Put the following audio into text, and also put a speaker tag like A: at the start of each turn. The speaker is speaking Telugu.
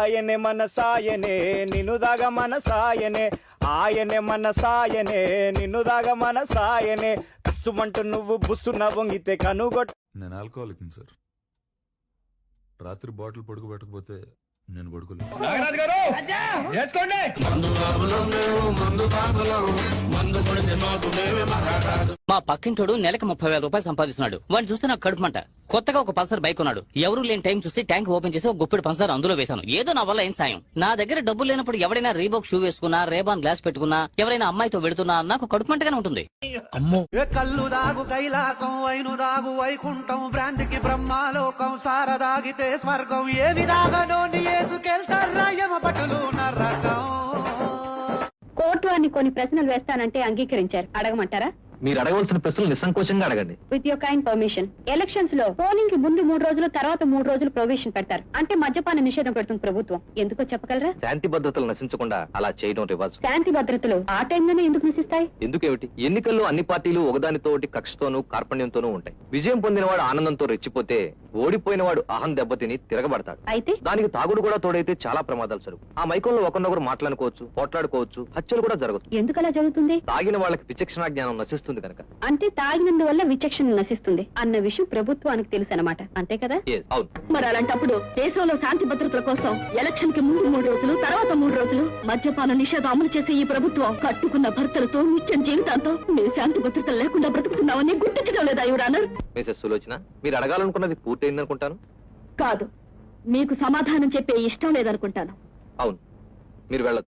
A: ఆయనే మన సాయనే నిన్ను దాగా మన సాయనే ఆయనే మన సాయనే నిన్ను దాగా మన సాయనే కసుమంటూ నువ్వు బుస్సున వంగితే కనుగొట్ట.
B: నేను ఆల్కహాలిక్ సార్. రాత్రి బాటిల్ పడుకోబెట్టకపోతే నేను పడుకోలేదు.
C: మా పక్కింటోడు నెలకు 30,000 రూపాయలు సంపాదిస్తున్నాడు. వాడిని చూస్తే నాకు కడుపు మంట. కొత్తగా ఒక పల్సర్ బైక్ ఉన్నాడు. ఎవరూ లేని టైం చూసి ట్యాంక్ ఓపెన్ చేసి ఒక గుప్పెడు పంచదార అందులో వేశాను. ఏదో నా వల్ల ఏం సాయం. నా దగ్గర డబ్బులు లేనప్పుడు ఎవరైనా రీబోక్ షూ వేసుకున్నా, రేబాన్ గ్లాస్ పెట్టుకున్నా, ఎవరైనా అమ్మాయితో వెడుతున్నా నాకు కడుపు మంటగానే ఉంటుంది.
D: అమ్మో కళ్ళు దాగు కైలాసం వైను దాగు వైకుంఠం భ్రాంతికి బ్రహ్మాలోకం సారదాగితే స్వర్గం ఏ విధాగనో ఏసుకెళ్తారా యమ పట్టులు నరకం.
E: కోర్టు అని కొన్ని ప్రశ్నలు వేస్తానంటే అంగీకరించారు. అడగమంటారా?
F: మీరు అడగవలసిన ప్రశ్నలు నిస్సంకోచంగా అడగండి.
E: With your kind permission. Elections లో పోలింగ్ కి ముందు 3 రోజులు, తర్వాత 3 రోజులు ప్రొవిషన్ పెడతారు. అంటే మద్యపాన నిషేధం పెడుతుంది ప్రభుత్వం. ఎందుకో చెప్పగలరా?
F: శాంతి భద్రతలు నశించకుండా అలా చేయడం రివాజు.
E: శాంతి భద్రతలు ఆ టైంలోనే ఎందుకు నశిస్తాయి?
F: ఎందుకేమిటి? ఎన్నికల్లో అన్ని పార్టీలు ఒకదానితో ఒకటి కక్షతోనూ కార్పణ్యంతోనూ ఉంటాయి. విజయం పొందినవాడు ఆనందంతో రెచ్చిపోతే, ఓడిపోయినవాడు అహం దెబ్బతిని తిరగబడతాడు.
E: అయితే
F: దానికి తాగుడు కూడా తోడైతే చాలా ప్రమాదాలు జరుగు. ఆ మైకంలో ఒకరినొకరు మాట్లాడుకోవచ్చు, పోట్లాడుకోవచ్చు, హత్యలు కూడా జరగచ్చు.
E: ఎందుకు అలా జరుగుతుంది?
F: తాగిన వాళ్ళకి విచక్షణ జ్ఞానం నశిస్తుంది కనుక.
E: అంటే తాగినందువల్ల విచక్షణ నశిస్తుంది అన్న విషయం ప్రభుత్వానికి తెలుసు అన్నమాట. అంతే కదా?
F: అవును.
E: మరి అలాంటప్పుడు దేశంలో శాంతి భద్రతల కోసం ఎలక్షన్ కి ముందు 3 రోజులు, తర్వాత 3 రోజులు మద్యపాన నిషేధం అమలు చేసే ఈ ప్రభుత్వం కట్టుకున్న భర్తలతో నిత్యం జీవితాంతో మేము శాంతి భద్రతలు లేకుండా బ్రతుకుతున్నామని గుర్తించడం లేదా యువర్ ఆనర్?
F: మిసెస్ సులోచన, మీరు అడగాలనుకున్నది పూర్తయిందనుకుంటాను.
E: కాదు, మీకు సమాధానం చెప్పే ఇష్టం లేదనుకుంటాను.
F: అవును, మీరు వెళ్ళొచ్చు.